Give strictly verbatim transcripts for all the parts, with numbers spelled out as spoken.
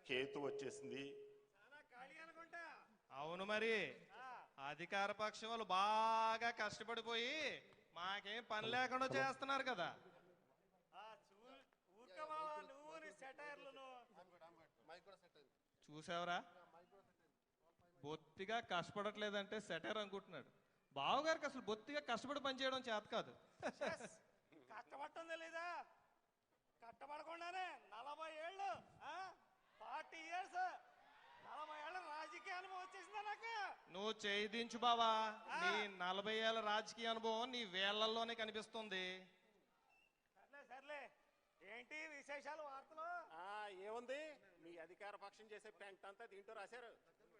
కేతు వచ్చేసింది. అవును మరి అధికార పక్షం వాళ్ళు బాగా కష్టపడిపోయి మాకేం పని లేకుండా చేస్తున్నారు కదా. చూసావరా బొత్తిగా కష్టపడట్లేదంటే సెటైర్ అనుకుంటున్నాడు. బావగారికి అసలు బొత్తిగా కష్టపడి పనిచేయడం చేత కాదు. కష్టపడటం తెలీదా? కష్టపడకుండానే నలభై ఏళ్ళు ఫార్టీ ఇయర్స్ నలభై ఏళ్ళ రాజకీయ అనుభవం వచ్చేసిందా నాకు? నువ్వు చేయించు బావా, నీ నలభై ఏళ్ళ రాజకీయ అనుభవం నీ వేళ్లలోనే కనిపిస్తుంది. సర్లే సర్లే, ఏంటి విశేషాలు వార్తలు? ఏముంది, మీ అధికార పక్షం చేసే పెంట అంతా దీంట్లో రాశారు.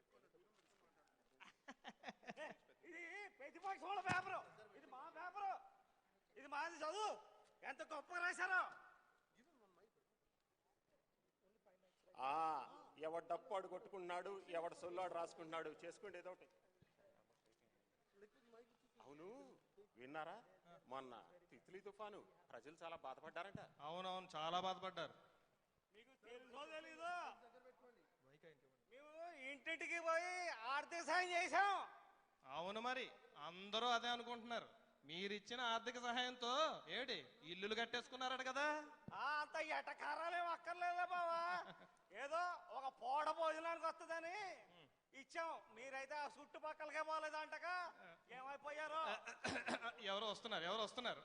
ఇది ప్రతిపక్షం వాళ్ళ పేపరు, ఇది మా పేపరు, ఇది మాది. చదువు ఎంత గొప్ప రాశారో. ఆ ఎవడు డప్పాడు కొట్టుకుంటున్నాడు, ఎవడు సొల్లాడు రాసుకుంటున్నాడు, చేసుకోండి ఏదో ఒకటి. అవును విన్నారా, మొన్న తిత్లీ తుఫాను ప్రజలు చాలా బాధపడ్డారంట. అవునవును చాలా బాధపడ్డారు. మీకు తెలుసో తెలీదు, మేము ఇంటింటికి పోయి ఆర్థిక సాయం చేశాం. అవును మరి అందరూ అదే అనుకుంటున్నారు. మీరిచ్చిన ఆర్థిక సహాయంతో ఏడి ఇల్లులు కట్టేసుకున్నారట కదా. అంత ఎటకారాలేం అక్కర్లేదా బావా, ఏదో ఒక పూట భోజనానికి వస్తుందని ఇచ్చాం. మీరైతే ఆ చుట్టుపక్కలకే పోలేదంటగా, ఏమైపోయారో. ఎవరు వస్తున్నారు ఎవరు వస్తున్నారు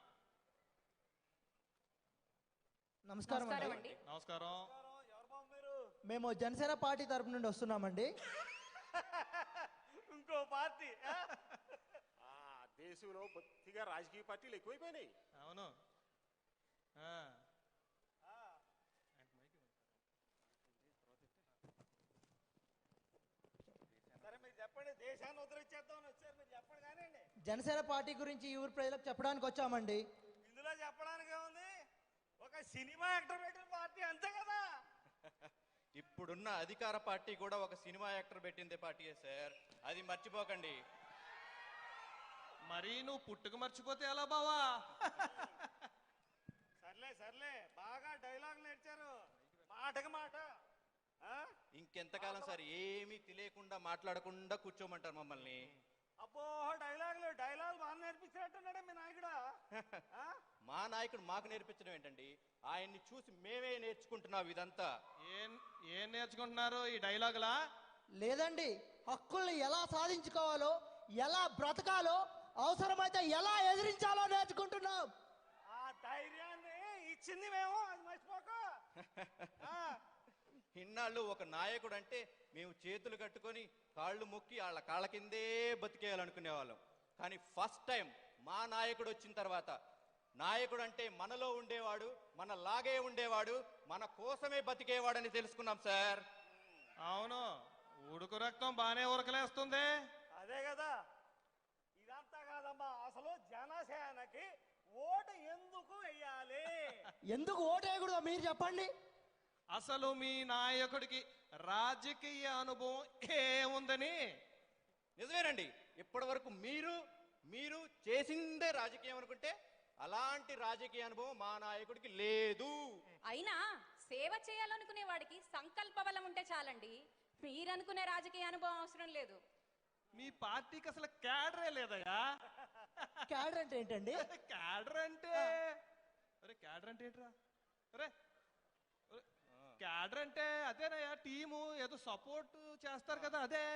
నమస్కారం అండి. నమస్కారం. ఎవరు బాబు మీరు? మేము జనసేన పార్టీ తరపు నుండి వస్తున్నామండి. ఇంకో పార్టీ? దేశంలో బొత్తిగా రాజకీయ పార్టీలు ఎక్కువైపోయినాయి. అవును. సరే మీరు చెప్పండి, దేశాన్ని ఉద్ధరించేద్దామని వచ్చారు, మీరు చెప్పండి. కానీ జనసేన పార్టీ గురించి ఈ ఊరు ప్రజలకు చెప్పడానికి వచ్చామండి. ఇందులో చెప్పడానికి ఏముంది, ఒక సినిమా యాక్టర్ పెట్టిన పార్టీ అంతే కదా. ఇప్పుడున్న అధికార పార్టీ కూడా ఒక సినిమా యాక్టర్ పెట్టిందే పార్టీయే సార్, అది మర్చిపోకండి. మరి నువ్వు పుట్టుక మర్చిపోతే ఎలా బావా? సర్లే సర్లే, బాగా డైలాగ్ నేర్చారు, మాటకి మాట. ఇంకెంతకాలం సార్ ఏమీ తెలియకుండా మాట్లాడకుండా కూర్చోమంటారు మమ్మల్ని? అబ్బో డైలాగులు డైలాగ్ బాగా నేర్పించినట్టున్నాడే మీ నాయకుడు. మా నాయకుడు మాకు నేర్పించడం ఏంటండి, ఆయన్ని చూసి మేమే నేర్చుకుంటున్నాం ఇదంతా. ఏం ఏం నేర్చుకుంటున్నారు ఈ డైలాగులా? లేదండి, హక్కుల్ని ఎలా సాధించుకోవాలో, ఎలా బ్రతకాలో, అవసరమైతే ఎలా ఎదిరించాలో నేర్చుకుంటున్నాం. ఆ ధైర్యాన్ని ఇచ్చింది మేము, అది మర్చిపోక. ఇన్నాళ్ళు ఒక నాయకుడు అంటే మేము చేతులు కట్టుకొని కాళ్ళు మొక్కి వాళ్ళ కాళ్ళ కిందే బతికేయాలనుకునే వాళ్ళం. కానీ ఫస్ట్ టైం మా నాయకుడు వచ్చిన తర్వాత, నాయకుడు అంటే మనలో ఉండేవాడు, మన లాగే ఉండేవాడు, మన కోసమే బతికేవాడని తెలుసుకున్నాం సార్. అవును, ఉడుకు రక్తం బానే ఉరకలేస్తుంది. అదే కదా, ఇదంతా కాదమ్మా, అసలు జనసేనకి ఓటు ఎందుకు వేయాలి? ఎందుకు ఓటు వేయకూడదో మీరు చెప్పండి. అసలు మీ నాయకుడికి రాజకీయ అనుభవం ఏముందని? నిజమేనండి, ఇప్పటి వరకు మీరు మీరు చేసిందే రాజకీయం అనుకుంటే అలాంటి రాజకీయ అనుభవం మా నాయకుడికి లేదు. అయినా సేవ చేయాలనుకునే వాడికి సంకల్ప బలం ఉంటే చాలండి, మీరనుకునే రాజకీయ అనుభవం అవసరం లేదు. మీ పార్టీకి అసలు క్యాడరే లేదయ్యా. క్యాడర్ అంటే ఏంటండి? క్యాడర్ అంటే అరే క్యాడర్ అంటే ఏంట్రా? అరే క్యాడర్ అంటే అదేనయ్యా, టీము ఏదో సపోర్ట్ చేస్తారు కదా, అదే.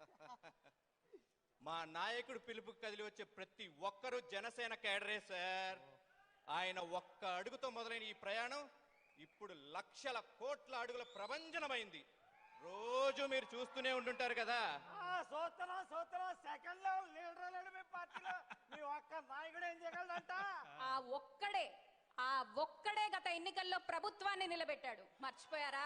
మా నాయకుడు పిలుపు కదిలి వచ్చే ప్రతి ఒక్కరూ జనసేన క్యాడరే సార్. ఆయన ఒక్క అడుగుతో మొదలైన ఈ ప్రయాణం ఇప్పుడు లక్షల కోట్ల అడుగుల ప్రభంజనమైంది. రోజు మీరు చూస్తూనే ఉంటుంటారు కదా. సోతరా సోతరా సెకండ్ లో లీడర్ లేడు మీ పార్టీలో, మీ ఒక్క నాయకుడు ఏం చేయగలడంట? ఆ ఒక్కడే ఆ ఒక్కడే గత ఎన్నికల్లో ప్రభుత్వాన్ని నిలబెట్టాడు, మర్చిపోయారా?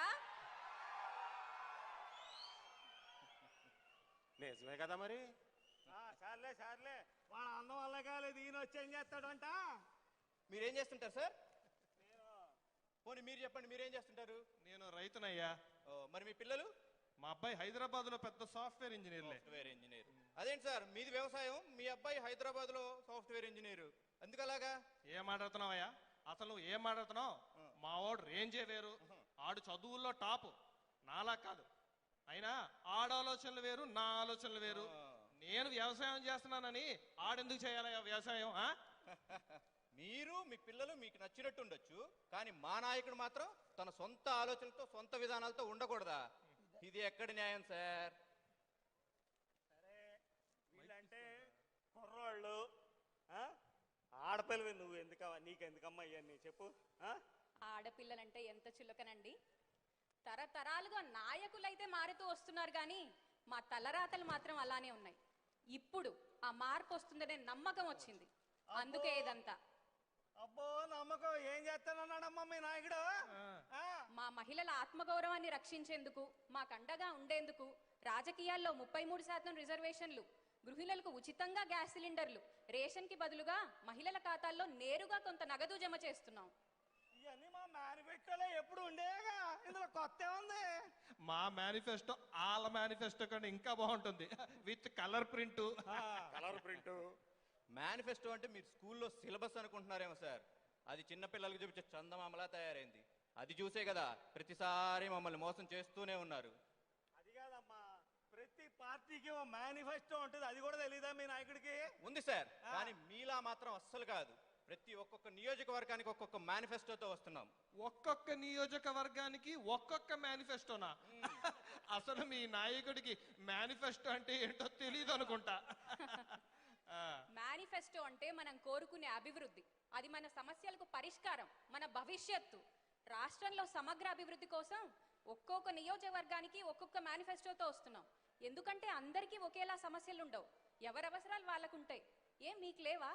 నిజమే కదా మరి. సర్లే సర్లే, వాళ్ళ అన్నం వల్ల కాలేదు, ఈయన వచ్చి ఏం చేస్తాడంట? మీరేం చేస్తుంటారు సార్? పోనీ మీరు చెప్పండి, మీరేం చేస్తుంటారు? నేను రైతునయ్యా. మరి మీ పిల్లలు? మా అబ్బాయి హైదరాబాద్ లో పెద్ద సాఫ్ట్వేర్ ఇంజనీర్. Software engineer. అదేంటి సార్, మీది వ్యవసాయం, మీ అబ్బాయి హైదరాబాద్ లో సాఫ్ట్వేర్ ఇంజనీర్, ఎందుకు అలాగా? ఏం మాట్లాడుతున్నావయ్యా? అసలు నువ్వు ఏం మాట్లాడుతున్నావు? మా వాడు రేంజే వేరు, ఆడు చదువుల్లో టాప్, నాలా కాదు. అయినా ఆడాలోచనలు వేరు, నా ఆలోచనలు వేరు. నేను వ్యవసాయం చేస్తున్నానని ఆడెందుకు చేయాలి వ్యవసాయం? ఆ? మీరు మీ పిల్లలు మీకు నచ్చినట్టు ఉండొచ్చు, కానీ మా నాయకుడు మాత్రం తన సొంత ఆలోచనలతో సొంత విధానాలతో ఉండకూడదా? ఇది ఎక్కడి న్యాయం సార్? సరే, వీళ్ళంటే కుర్రోళ్ళు, ఆ? ఆడపిల్లవి నువ్వు ఎందుకమ్మా, నీకెందుకమ్మా ఇవన్నీ చెప్పు. ఆ? ఆడపిల్లలంటే ఎంత చులకనండి. తరతరాలుగా నాయకులైతే మారుతూ వస్తున్నారు కానీ మా తలరాతలు మాత్రం అలానే ఉన్నాయి. ఇప్పుడు ఆ మార్పు వస్తుందనే నమ్మకం వచ్చింది, అందుకే ఇదంతా. అబ్బో నమ్మకం, ఏం చేస్తానన్నాడమ్మా మీ నాయకుడు? ఆ? మా మహిళల ఆత్మగౌరవాన్ని రక్షించేందుకు, మాకు అండగా ఉండేందుకు రాజకీయాల్లో ముప్పై మూడు శాతం రిజర్వేషన్లు, గృహిణులకు ఉచితంగా గ్యాస్ సిలిండర్లు, రేషన్ కి బదులుగా మహిళల ఖాతాల్లో నేరుగా కొంత నగదు జమ చేస్తున్నాం. ఇవన్నీ మా మేనిఫెస్టోలో ఎప్పుడు ఉండేగా, ఇందులో కొత్త ఉంది. మా మేనిఫెస్టో వాళ్ళ మేనిఫెస్టో కన్నా ఇంకా బాగుంటుంది, with colour print. Colour print. Manifesto అంటే మీరు స్కూల్లో సిలబస్ అనుకుంటున్నారేమో సార్. అది చిన్నపిల్లలకు చూపించే చందమామలా తయారైంది. అది చూసే కదా ప్రతిసారి మమ్మల్ని మోసం చేస్తూనే ఉన్నారు. అది కాదమ్మా, ప్రతి పార్టీకి ఓ మేనిఫెస్టో ఉంటుంది, అది కూడా తెలీదా మీ నాయకుడికి? ఉంది సార్, కానీ మీలా మాత్రం అస్సలు కాదు. ప్రతి ఒక్కొక్క నియోజకవర్గానికి ఒక్కొక్క మేనిఫెస్టోతో వస్తున్నాం. ఒక్కొక్క నియోజకవర్గానికి ఒక్కొక్క మేనిఫెస్టోనా? అసలు మీ నాయకుడికి మేనిఫెస్టో అంటే ఏంటో తెలియదు అనుకుంటా. మేనిఫెస్టో అంటే మనం కోరుకునే అభివృద్ధి, అది మన సమస్యలకు పరిష్కారం, మన భవిష్యత్తు. రాష్ట్రంలో సమగ్ర అభివృద్ధి కోసం ఒక్కొక్క నియోజకవర్గానికి ఒక్కొక్క మేనిఫెస్టోతో వస్తున్నాం. ఎందుకంటే అందరికీ ఒకేలా సమస్యలు ఉండవు, ఎవరి అవసరాలు వాళ్ళకుంటాయి. ఏం మీకు లేవా?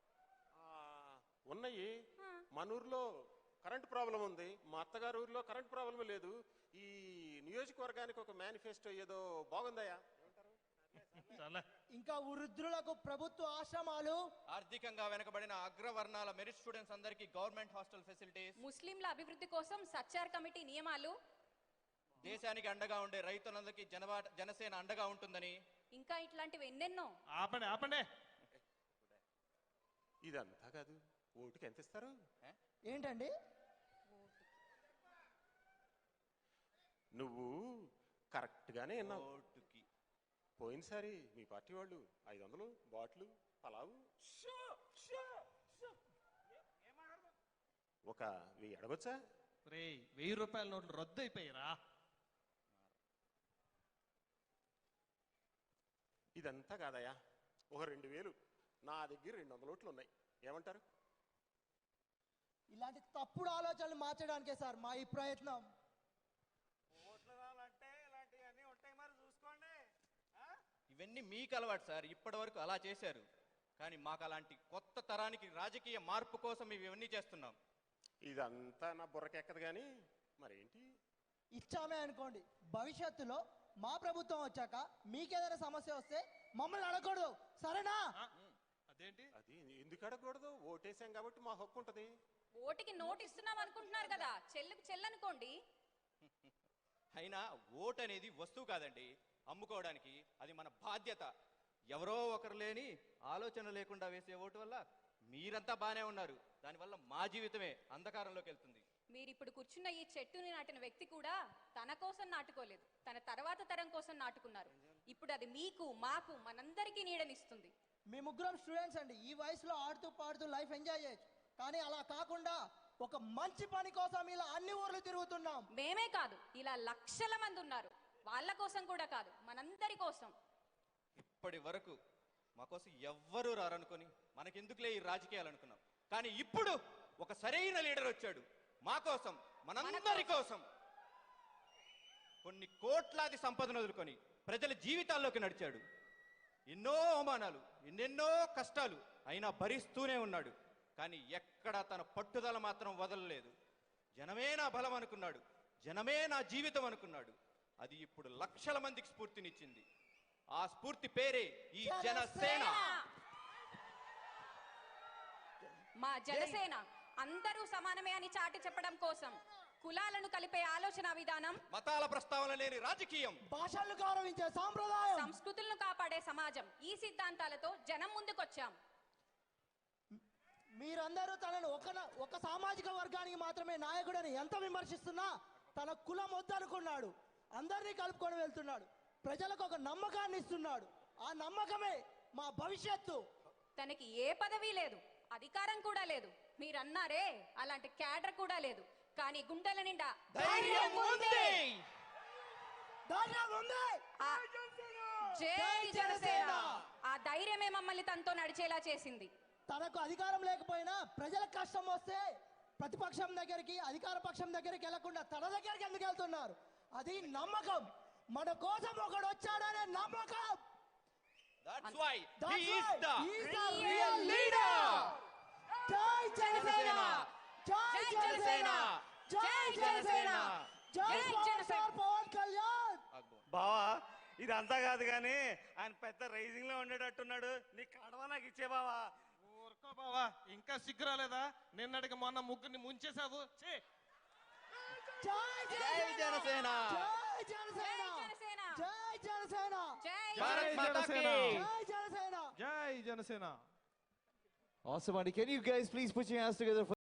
ఉన్నాయి. ఆ. మన ఊర్లో కరెంట్ ప్రాబ్లం ఉంది, మా అత్తగారు ఊర్లో కరెంట్ ప్రాబ్లం లేదు. ఈ నియోజకవర్గానికి ఒక మేనిఫెస్టో ఏదో బాగుందయ్యా. చాలా ఇంకా వృద్ధులకు ప్రభుత్వ ఆశ్రమాలు, ఆర్థికంగా వెనకబడిన అగ్రవర్ణాల మెరిట్ స్టూడెంట్స్ అందరికీ గవర్నమెంట్ హాస్టల్ ఫెసిలిటీస్, ముస్లింల అభివృద్ధి కోసం సచ్చార్ కమిటీ నియమాలు, దేశానికి అండగా ఉండే రైతులందరికీ జనవా జనసేన అండగా ఉంటుందని. ఇంకా ఇట్లాంటివి ఎన్నెన్నో. ఆపండి ఆపండి. ఇదంతా కాదు, ఓటుకి ఎంత ఇస్తారు? ఏంటండి? నువ్వు కరెక్ట్ గానే విన్నావు. ఓటుకి పోయినసారి మీ పార్టీ వాళ్ళు ఐదు వందలు బాటిల్ పలావు ఒక వెయ్యి అడగొచ్చా? రే, వెయ్యి రూపాయల నోట్లు రద్దు అయిపోయారా? ఇదంతా కాదయ్యా, ఒక రెండు వేలు నా దగ్గర రెండు వందల ఓట్లు ఉన్నాయి, ఏమంటారు? ఇలాంటి తప్పుడు ఆలోచనలు మార్చడానికే సార్ మా ఈ ప్రయత్నం. ఓట్లు రావాలంటే ఇలాంటివన్నీ ఉంటాయి, మరి చూసుకోండి. ఆ? ఇవన్నీ మీకు అలవాటు సార్, ఇప్పటి వరకు అలా చేశారు. కానీ మాకు అలాంటి కొత్త తరానికి రాజకీయ మార్పు కోసం ఇవన్నీ చేస్తున్నాం. ఇదంతా నా బుర్రకెక్కదు కానీ మరేంటి? ఇచ్చామే అనుకోండి, భవిష్యత్తులో మా ప్రభుత్వం వచ్చాక మీకేదైనా సమస్య వస్తే మమ్మల్ని అడగకూడదు, సరేనా? ఆ? అదేంటి? అది ఎందుకు అడగకూడదు? ఓటేసాం కాబట్టి మా హక్కు ఉంటది. ఓటుకి నోటు ఇస్తున్నాం అనుకుంటున్నారు కదా, చెల్లుకు చెల్లనుకోండి. అయినా ఓటు అనేది వస్తువు కాదండి, అమ్ముకోవడానికి. అది మన బాధ్యత. ఎవరో ఒకరు లేని ఆలోచన లేకుండా వేసే ఓటు వల్ల మీరంతా బానే ఉన్నారు, దానివల్ల మా జీవితమే అంధకారంలోకి వెళ్తుంది. మీరిప్పుడు కూర్చున్న ఈ చెట్టుని నాటిన వ్యక్తి కూడా తన కోసం నాటుకోలేదు, తన తర్వాత తరం కోసం నాటుకున్నారు. ఇప్పుడు అది మీకు మాకు మనందరికీ నీడనిస్తుంది. మీ ముగ్గురం స్టూడెంట్స్ అండి, ఈ వయసులో ఆడుతూ పాడుతూ లైఫ్ ఎంజాయ్ చేయొచ్చు, కానీ అలా కాకుండా ఒక మంచి పని కోసం ఇలా అన్ని ఊర్లు తిరుగుతున్నాం. మేమే కాదు, ఇలా లక్షల మంది ఉన్నారు, వాళ్ళ కోసం కూడా కాదు, మనందరి కోసం. ఇప్పటి వరకు మా కోసం ఎవ్వరూ రారనుకొని మనకెందుకులే ఈ రాజకీయాలు అనుకున్నాం. కానీ ఇప్పుడు ఒక సరైన లీడర్ వచ్చాడు, మా కోసం, మనందరి కోసం. కొన్ని కోట్లాది సంపదను వదులుకొని ప్రజల జీవితాల్లోకి నడిచాడు. ఎన్నో అవమానాలు, ఎన్నెన్నో కష్టాలు అయినా భరిస్తూనే ఉన్నాడు. కానీ ఎక్కడ తన పట్టుదల మాత్రం వదలలేదు. జనమే నా బలం అనుకున్నాడు, జనమే నా జీవితం అనుకున్నాడు. అది ఇప్పుడు లక్షల మందికి స్ఫూర్తినిచ్చింది. ఆ స్ఫూర్తి పేరే ఈ జనసేన. మా జనసేన అందరూ సమానమే అని చాటి చెప్పడం కోసం కులాలను కలిపే ఆలోచన విధానం, మతాల ప్రస్తావన లేని రాజకీయం, భాషలను గౌరవించే సాంప్రదాయం, సంస్కృతులను కాపాడే సమాజం, ఈ సిద్ధాంతాలతో జనం ముందుకొచ్చాం. మీరందరూ తనను ఒక ఒక సామాజిక వర్గానికి మాత్రమే నాయకుడని ఎంత విమర్శిస్తున్నా తన కులం వద్దనుకున్నాడు. అందరినీ కలుపుకొని వెళ్తున్నాడు. ప్రజలకు ఒక నమ్మకాన్ని ఇస్తున్నాడు. ఆ నమ్మకమే మా భవిష్యత్తు. తనకి ఏ పదవి లేదు, అధికారం కూడా లేదు. మీరన్నారే అలాంటి క్యాడర్ కూడా లేదు. కానీ గుండెల నిండా ధైర్యం ఉంది. ధైర్యం ఉంది. ఆ- జై జనసేన. ఆ ధైర్యమే మమ్మల్ని తనతో నడిచేలా చేసింది. తనకు అధికారం లేకపోయినా ప్రజలకు కష్టం వస్తే ప్రతిపక్షం దగ్గరికి, అధికార పక్షం దగ్గరికి వెళ్లకుండా తన దగ్గరికి ఎందుకు వెళ్తున్నారు? అది నమ్మకం. మన కోసం ఒకడు వచ్చాడనే నమ్మకం. That's why That's he is why the he is the real real leader. జై జనసేన. జై జనసేన. జై జనసేన. జై జై పవర్ జనసేన. స్టార్ పవన్ కళ్యాణ్. బావా ఇదంతా కాదు కానీ ఆయన పెద్ద రైజింగ్ లో ఉండేటట్టున్నాడు. నీ కడవ నాకు ఇచ్చే బావా. ఊరుకో బావా, ఇంకా సిగ్గు రాలేదా? నిన్నటికి మొన్న ముగ్గురిని ముంచేశావు. ఛీ! జై జై జనసేన. జై జనసేన. జై జనసేన. జై జనసేన. జై భారత్ జై మాతా జనసేన. కీ. జై జనసేన. జై Janasena. Awesome, Andy. Can you guys please put your hands together for